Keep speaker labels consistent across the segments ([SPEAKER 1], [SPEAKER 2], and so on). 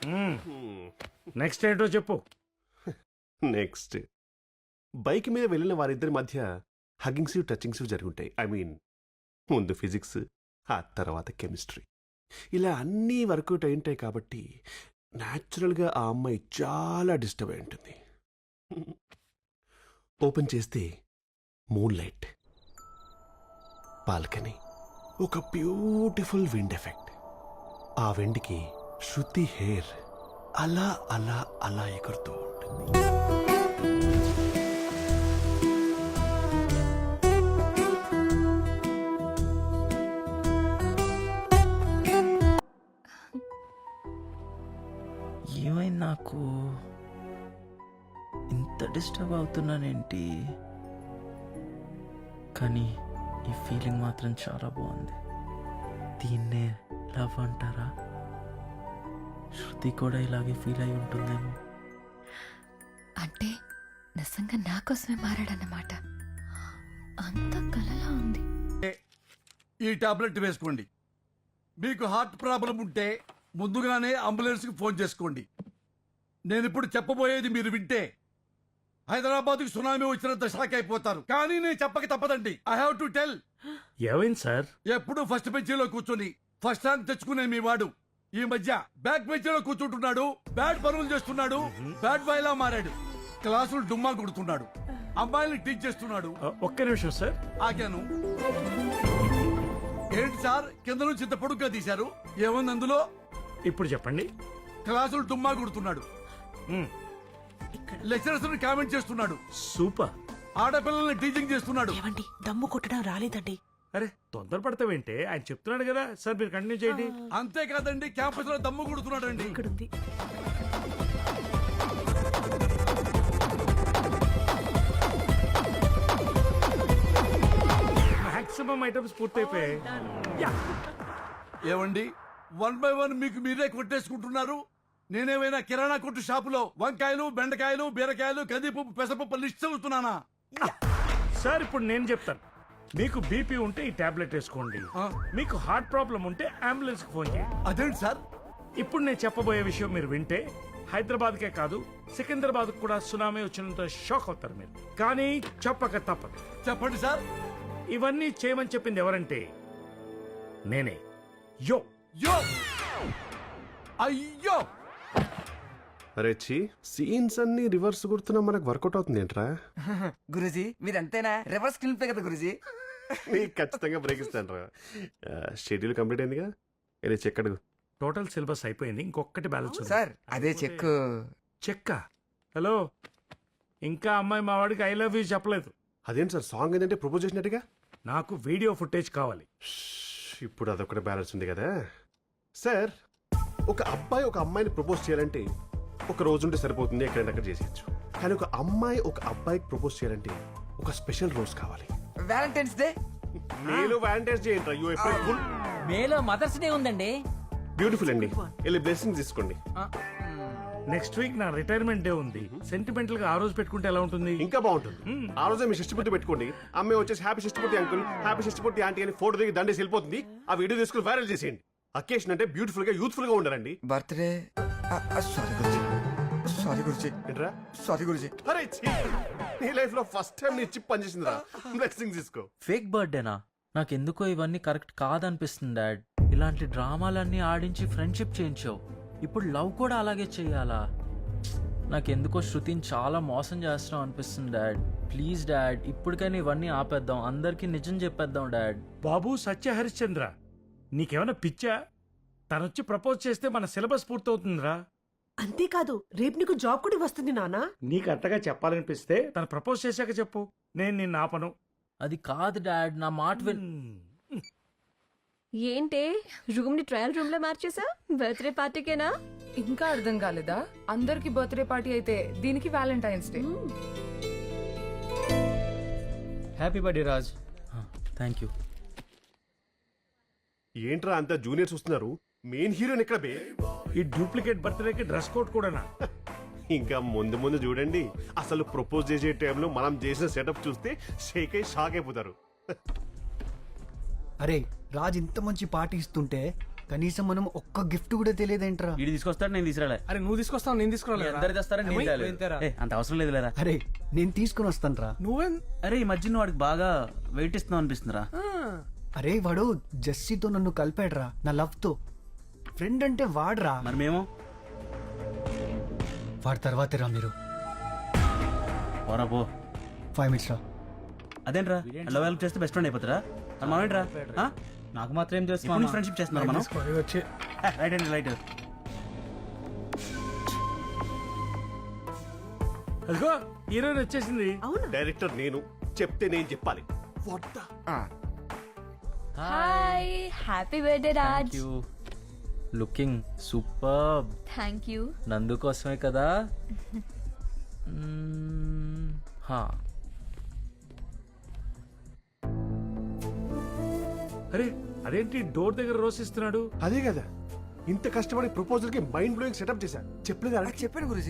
[SPEAKER 1] Next ఏంటో చెప్పు.
[SPEAKER 2] Next bike మీద వెళ్ళిన వారిద్దరి మధ్య హగ్గింగ్స్ టచింగ్స్ జరుగుంటాయి. ఐ మీన్ ముందు ఫిజిక్స్, ఆ తర్వాత కెమిస్ట్రీ. ఇలా అన్నీ వర్కౌట్ అయి ఉంటాయి కాబట్టి న్యాచురల్గా ఆ అమ్మాయి చాలా డిస్టర్బ్ అయి ఉంటుంది. ఓపెన్ చేస్తే మూన్ లైట్, బాల్కనీ, ఒక బ్యూటిఫుల్ విండ్ ఎఫెక్ట్. ఆ విండ్కి శృతి హెయిర్ అలా అలా అలా ఎగురుతూ ఉంటుంది.
[SPEAKER 3] ఏమైంది నాకు? ఇంత డిస్టర్బ్ అవుతున్నానేంటి? కానీ ఈ ఫీలింగ్ మాత్రం చాలా బాగుంది. దీన్నే లవ్ అంటారా? శృతి కూడా ఇలాగే ఫీల్ అయి ఉంటుందేమో.
[SPEAKER 4] అంటే నిజంగా నా కోసమే మారాడన్నమాట. అంత కలలా ఉంది.
[SPEAKER 5] ఈ టాబ్లెట్ వేసుకోండి. మీకు హార్ట్ ప్రాబ్లం ఉంటే ముందుగానే అంబులెన్స్కి ఫోన్ చేసుకోండి. నేను ఇప్పుడు చెప్పబోయేది మీరు వింటే హైదరాబాద్కి సునామీ వచ్చినంత షాక్ అయిపోతారు. కానీ నేను చెప్పక తప్పదండి. I have to tell.
[SPEAKER 1] ఏమైంది సార్?
[SPEAKER 5] ఎప్పుడు ఫస్ట్ బెంచీలో కూర్చొని ఫస్ట్ ర్యాంక్ తెచ్చుకునే మీ వాడు ఈ మధ్య బ్యాక్ బెంచీలో కూర్చుంటున్నాడు. బ్యాడ్ పనులు చేస్తున్నాడు. బ్యాడ్ బాయ్ లా మారాడు. క్లాసులు డుమ్మా కొడుతున్నాడు. అమ్మాయిల్ని టీచ్ చేస్తున్నాడు.
[SPEAKER 1] ఒక్క నిమిషం సార్.
[SPEAKER 5] ఆగాను. ఏంటి సార్ కింద నుంచి ఇంత పొడుగ్గా తీశారు? ఏముంది అందులో?
[SPEAKER 1] ఇప్పుడు చెప్పండి.
[SPEAKER 5] క్లాసులు డుమ్మా కొడుతున్నాడు. లెక్చరర్స్ కామెంట్ చేస్తున్నాడు.
[SPEAKER 1] సూపర్.
[SPEAKER 5] ఆడపిల్లల్ని టీచింగ్ చేస్తున్నాడు.
[SPEAKER 6] ఏమండి దమ్ము కొట్టడం రాలేదండి.
[SPEAKER 1] అరే తొందరపడతావేంటే? ఆయన చెప్తున్నాడు కదా సార్, మీరు కంటిన్యూ చేయండి.
[SPEAKER 5] అంతేకాదండి, క్యాంపస్ లో దమ్ము కొడుతున్నాడు అండి.
[SPEAKER 6] ఇక్కడుంది.
[SPEAKER 1] మాక్సిమం ఐటమ్స్ పూర్తయిపోయాయి.
[SPEAKER 5] ఏమండి, 1 by 1 మీకు మీరే కొట్టేసుకుంటున్నారు. నేనేమైనా కిరాణా కొట్టు షాపులో వంకాయలు, బెండకాయలు, బీరకాయలు, కందిపప్పు, పెసరపప్పు లిస్ట్ చదువుతున్నానా?
[SPEAKER 1] సార్ ఇప్పుడు నేను చెప్తాను. మీకు బీపీ ఉంటే ఈ టాబ్లెట్ వేసుకోండి. మీకు హార్ట్ ప్రాబ్లం ఉంటే అంబులెన్స్ కి ఫోన్ చేయండి.
[SPEAKER 5] అదేంటి సార్?
[SPEAKER 1] ఇప్పుడు నేను చెప్పబోయే విషయం మీరు వింటే హైదరాబాద్కే కాదు సికింద్రాబాద్ కూడా సునామీ వచ్చినంత షాక్ అవుతారు మీరు. కానీ చెప్పక తప్పదు.
[SPEAKER 5] చెప్పండి సార్.
[SPEAKER 1] ఇవన్నీ చేయమని చెప్పింది ఎవరంటే నేనే. యో
[SPEAKER 5] యో అయ్యో.
[SPEAKER 2] అరే ఛీ, సీన్స్ అన్ని రివర్స్ కొడుతున్నా మనకు వర్కౌట్ అవుతుంది ఏంట్రా?
[SPEAKER 7] గురుజీ మీరంతేనా? రివర్స్ స్క్రీన్ ప్లే కదా గురుజీ.
[SPEAKER 2] నీకు ఖచ్చితంగా బ్రేక్ ఇస్తాను రా. షెడ్యూల్ కంప్లీట్ అయిందిగా, వెళ్ళి చెక్ అడుగు.
[SPEAKER 1] టోటల్ సిలబస్ అయిపోయింది, ఇంకొకటి బ్యాలెన్స్ ఉంది.
[SPEAKER 7] సార్ అదే చెక్.
[SPEAKER 1] చెక్క. హలో, ఇంకా అమ్మాయి మా వాడికి ఐ లవ్ యూ చెప్పలేదు.
[SPEAKER 2] అదేంటి సార్, సాంగ్ ఏంటంటే ప్రపోజ్ చేసినట్టుగా?
[SPEAKER 1] నాకు వీడియో ఫుటేజ్ కావాలి.
[SPEAKER 2] ఇప్పుడు అదొకటి బ్యాలెన్స్ ఉంది కదా సార్. ఒక అబ్బాయి ఒక అమ్మాయిని ప్రపోజ్ చేయాలంటే ఒక రోజు ఉంటే సరిపోతుంది, ఎక్కడైనా అక్కడ చేసేయచ్చు. కానీ ఒక అమ్మాయి ఒక అబ్బాయికి ప్రపోజ్ చేయాలంటే ఒక స్పెషల్ రోజు కావాలి.
[SPEAKER 7] Valentine's day.
[SPEAKER 2] మేలో వ్యాలంటైన్స్ డే ఏంట్రా? You April fool.
[SPEAKER 8] మేలో మదర్స్ డే ఉందండి.
[SPEAKER 2] బ్యూటిఫుల్ అండి, వెళ్ళి బ్లెస్సింగ్ తీసుకోండి.
[SPEAKER 1] నెక్స్ట్ వీక్ నా రిటైర్మెంట్ డే ఉంది. సెంటిమెంటల్ గా ఆ రోజు పెట్టుకుంటే ఎలా ఉంటుంది?
[SPEAKER 2] ఇంకా బాగుంటుంది. ఆ రోజే మీ షష్టిపూర్తి పెట్టుకోండి. అమ్మాయి వచ్చేసి happy Shashtipurti uncle, happy Shashtipurti aunty అని ఫోటో దిగి దండేసి వెళ్ళిపోతుంది. ఆ వీడియో తీసుకుని వైరల్ చేసేయండి. అకేషన్ అంటే బ్యూటిఫుల్ గా యూత్ఫుల్ గా ఉండాలండి.
[SPEAKER 7] Birthday. Sorry Guruji. Sorry Guruji.
[SPEAKER 2] ఏంట్రా?
[SPEAKER 7] సారీ గురుజీ.
[SPEAKER 2] అరే ఛీ, నీ లైఫ్ లో ఫస్ట్ టైం నీ చిప్ పనిచేసిందిరా. బ్లెస్సింగ్ తీసుకో.
[SPEAKER 3] ఫేక్ బర్త్డేనా? నాకెందుకో ఇవన్నీ కరెక్ట్ కాదనిపిస్తుంది డాడ్. ఇలాంటి డ్రామాలన్నీ ఆడించి ఫ్రెండ్షిప్ చేయించావు, ఇప్పుడు లవ్ కూడా అలాగే చెయ్యాలా? నాకెందుకో శృతిని చాలా మోసం చేస్తున్నావు అనిపిస్తుంది డాడ్. ప్లీజ్ డాడ్, ఇప్పటికైనా ఇవన్నీ ఆపేద్దాం, అందరికీ నిజం చెప్పేద్దాం డాడ్.
[SPEAKER 1] బాబు సత్య హరిశ్చంద్ర, నీకేమైనా పిచ్చా? తనొచ్చి ప్రపోజ్ చేస్తే మన సిలబస్ పూర్తవుతుందిరా.
[SPEAKER 6] అంతేకాదు రేపు నీకు జాబ్ కూడా వస్తుంది నానా.
[SPEAKER 1] నీకు అంతగా చెప్పాలనిపిస్తే తను ప్రపోజ్ చేశాక చెప్పు, నేను నిన్ను ఆపను.
[SPEAKER 3] అది కాదు డాడ్, నా మాట విన్.
[SPEAKER 4] ఏంటే రూమ్ ని ట్రయల్ రూమ్ లో మార్చేసా? బర్త్డే పార్టీకేనా?
[SPEAKER 9] ఇంకా అర్థం కాలేదా? అందరికి బర్త్డే పార్టీ అయితే దీనికి Valentine's day.
[SPEAKER 8] Happy birthday Raj.
[SPEAKER 3] Thank you.
[SPEAKER 2] ఏంట్రా అంతా జూనియర్స్ వస్తున్నారు, మెయిన్ హీరోయిన్ ఎక్కడ బే?
[SPEAKER 1] ఈ డూప్లికేట్ బర్త్డేకి డ్రెస్ కోడ్ కూడానా?
[SPEAKER 2] ఇంకా ముందు ముందు చూడండి, అసలు ప్రపోజ్ చేసే టైంలో మనం చేసిన సెటప్ చూస్తే షేక్ అయి షాక్ అయిపోతారు.
[SPEAKER 10] అరే రాజ్ ఇంత మంచి పార్టీ ఇస్తుంటే
[SPEAKER 7] కనీసం మనం ఒక్క గిఫ్ట్ కూడా తెలియదేంట్రా.
[SPEAKER 3] వీడు తీసుకొస్తాడు, నేను తీసుకురాలే.
[SPEAKER 8] అరే నువ్వు తీసుకొస్తావు నేను
[SPEAKER 3] మీ
[SPEAKER 8] తీసుకురాలేదు
[SPEAKER 3] అందరు తెస్తారని నేను తేలేదు. ఏ, అంత అవసరం లేదు లేరా.
[SPEAKER 7] అరే నేను తీసుకుని వస్తానురా.
[SPEAKER 8] నువ్వేం
[SPEAKER 3] అరే ఈ మధ్య నువ్వు వాడికి బాగా వెయిట్ ఇస్తున్నావు అనిపిస్తుందిరా.
[SPEAKER 7] అరే వాడు జెస్సీతో నన్ను కలిపాడురా నా లవ్ తో. ఫ్రెండ్ అంటే వాడ్రా.
[SPEAKER 3] మరి మేము
[SPEAKER 7] వాడి తర్వాతే రా మీరు.
[SPEAKER 3] పోరా పో.
[SPEAKER 7] 5 minutes రా.
[SPEAKER 3] అదేంట్రా లవ్ హెల్ప్ చేస్తే బెస్ట్ ఫ్రెండ్ అయిపోతారా? మరి మనం ఏంట్రా?
[SPEAKER 8] నాకు మాత్రం ఏం
[SPEAKER 3] ఇప్పుడు
[SPEAKER 8] చేస్తున్నావు
[SPEAKER 3] ఫ్రెండ్షిప్ చేస్తున్నారు మనం.
[SPEAKER 8] వచ్చి
[SPEAKER 3] రైట్ అండి రైట్.
[SPEAKER 1] అదిగో హీరోయిన్ వచ్చేసింది.
[SPEAKER 2] డైరెక్టర్ నేను చెప్తే నేను చెప్పాలి.
[SPEAKER 4] Hi happy birthday Raj.
[SPEAKER 3] You looking super.
[SPEAKER 4] Thank you.
[SPEAKER 3] Nandu కోసమే కదా. హా
[SPEAKER 1] అరే అదేంటి డోర్ దగ్గర రోస్ ఇస్తున్నాడు?
[SPEAKER 2] అదే కదా, ఇంత కష్టపడి ప్రపోజల్ కి మైండ్ బ్లోయింగ్ సెటప్ చేశా. చెప్పలేదు అలా.
[SPEAKER 7] చెప్పాను గురుజీ.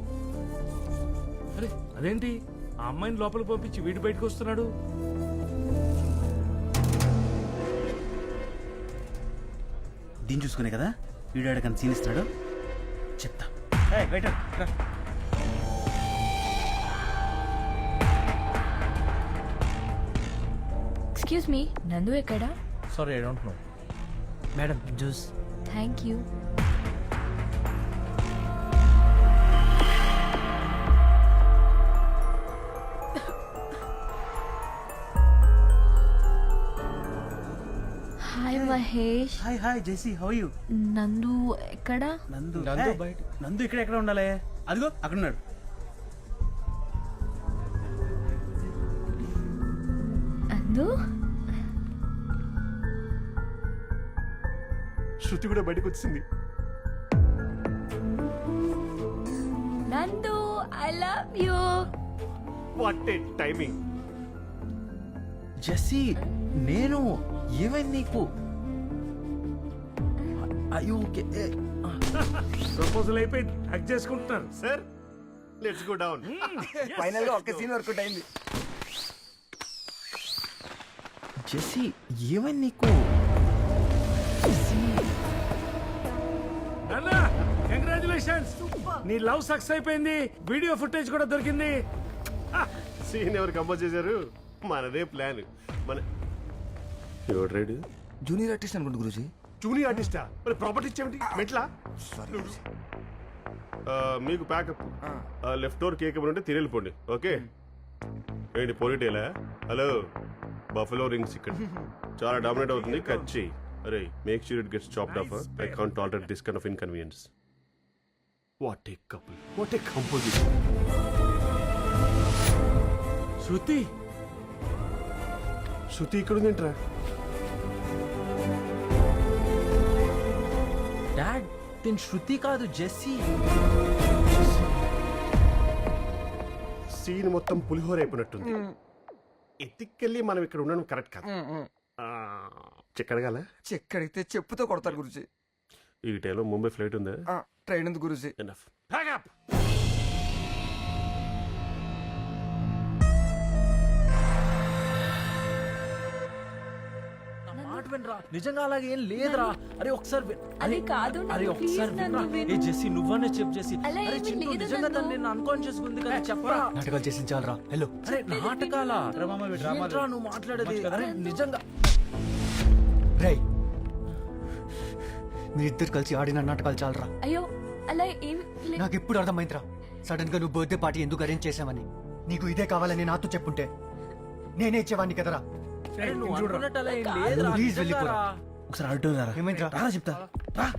[SPEAKER 1] అరే అదేంటి ఆ అమ్మాయిని లోపలికి పంపించి వీడి బయటకు వస్తున్నాడు?
[SPEAKER 3] దీన్ని చూసుకునే కదా వీడియో ఆడకని సీన్ ఇస్తాడు. చెప్తా. వెయిటర్
[SPEAKER 4] ఎక్స్క్యూజ్ మీ, నందు ఎక్కడా?
[SPEAKER 3] Sorry I don't know.
[SPEAKER 7] Madam juice.
[SPEAKER 4] Thank you. Hi Mahesh.
[SPEAKER 3] Hi hi Jessie, how you?
[SPEAKER 4] Nandu ఎక్కడా?
[SPEAKER 3] నందు బయట. నందు ఇక్కడ ఎక్కడ ఉండాలి? అదిగో అక్కడ ఉన్నాడు.
[SPEAKER 4] నందు
[SPEAKER 2] శృతి కూడా బయటకు వచ్చింది.
[SPEAKER 4] Nandu I love you.
[SPEAKER 2] What a timing.
[SPEAKER 3] Jessie నేను ఏమైంది నీకు? అయ్యో ఓకే.
[SPEAKER 1] ప్రపోజల్ అయిపోయింది, హక్ చేసుకుంటున్నారు.
[SPEAKER 2] Sir let's go down.
[SPEAKER 7] Final గా ఒక్క సీన్ వర్కౌట్ అయింది.
[SPEAKER 3] జెస్సీ ఏమైంది నీకు?
[SPEAKER 1] అన్నా కంగ్రాచులేషన్స్, నీ లవ్ సక్సెస్ అయిపోయింది. వీడియో ఫుటేజ్ కూడా దొరికింది.
[SPEAKER 2] సీన్ ఎవరు కంపోజ్ చేశారు? మనదే ప్లాన్. మన ఎవడు రైడు?
[SPEAKER 7] జూనియర్ ఆర్టిస్ట్ అనుకుంటు గురుజీ.
[SPEAKER 2] జూనియర్ ఆర్టిస్టా? మరి ప్రాపర్టీ ఇచ్చేమిటి మెట్లా? మీకు ప్యాకప్. లెఫ్ట్ డోర్ కేక్ ఉంటే తిరిగిపోండి. ఓకే ఏంటి పోలీటేలా? హలో బఫలో రింగ్స్ ఇక్కడ చాలా డామినేట్ అవుతుంది. కట్ చేయి. అరే make sure it gets chopped off. I can't tolerate this kind of inconvenience. What a couple, what a composition.
[SPEAKER 1] Shruti
[SPEAKER 2] Shruti ఇక్కడ ఉందేంట్రా?
[SPEAKER 3] డాడ్ తిన్ శృతి కాదు జెస్సీ.
[SPEAKER 2] సీన్ మొత్తం పులిహోర అయిపోయినట్టుంది. ఎత్తికెళ్ళి మనం ఇక్కడ ఉండడం కరెక్ట్ కాదు. చెక్కడగాల
[SPEAKER 7] చెక్కడితే చెప్పుతో కొడతారు గురుజీ.
[SPEAKER 2] ఈ టైంలో ముంబై ఫ్లైట్ ఉందా?
[SPEAKER 7] ట్రైన్ ఉంది గురుజీ.
[SPEAKER 2] ఎనఫ్. ప్యాకప్.
[SPEAKER 3] మాట వినరా, నిజంగా అలాగే ఏం లేదురా. అరే ఒకసారి
[SPEAKER 4] అది కాదు నందు,
[SPEAKER 3] అరే ఒకసారి
[SPEAKER 4] please నందు,
[SPEAKER 3] వినరా.
[SPEAKER 4] విను.
[SPEAKER 3] ఏ జెస్సీ నువ్వనే చెప్పు జెస్సీ.
[SPEAKER 4] అలా
[SPEAKER 3] అరే
[SPEAKER 4] ఏమీ
[SPEAKER 3] చింటూ
[SPEAKER 4] లేదు
[SPEAKER 3] నిజంగా
[SPEAKER 4] నందు.
[SPEAKER 3] తను నేను అన్కాన్షియస్ ఉంది కదా చెప్పరా.
[SPEAKER 7] నాటకాలు చేసి చాలరా. హలో
[SPEAKER 3] అరే నాటకాలా? ఏంట్రా నువ్వు మాట్లాడేది? అరే నిజంగా
[SPEAKER 7] రై మీరిద్దరు కలిసి ఆడిన నాటకాలు చాలరా.
[SPEAKER 4] అయ్యో అలా ఏం
[SPEAKER 7] నాకు ఎప్పుడు అర్థమైందిరా సడన్ గా నువ్వు బర్త్డే పార్టీ ఎందుకు అరేంజ్ చేసావని. నీకు ఇదే కావాలని నాతో చెప్పుంటే నేనే ఇచ్చేవాడిని కదరా.
[SPEAKER 3] అరే నువ్వు అనుకున్నట్టు అలా ఏం లేదురా.
[SPEAKER 7] ప్లీజ్
[SPEAKER 3] నిజంగా
[SPEAKER 7] వెళ్ళిపోరా.
[SPEAKER 3] రా. ఒకసారి అడుగుతారా?
[SPEAKER 7] ఏమైందిరా?
[SPEAKER 3] చెప్తా రా.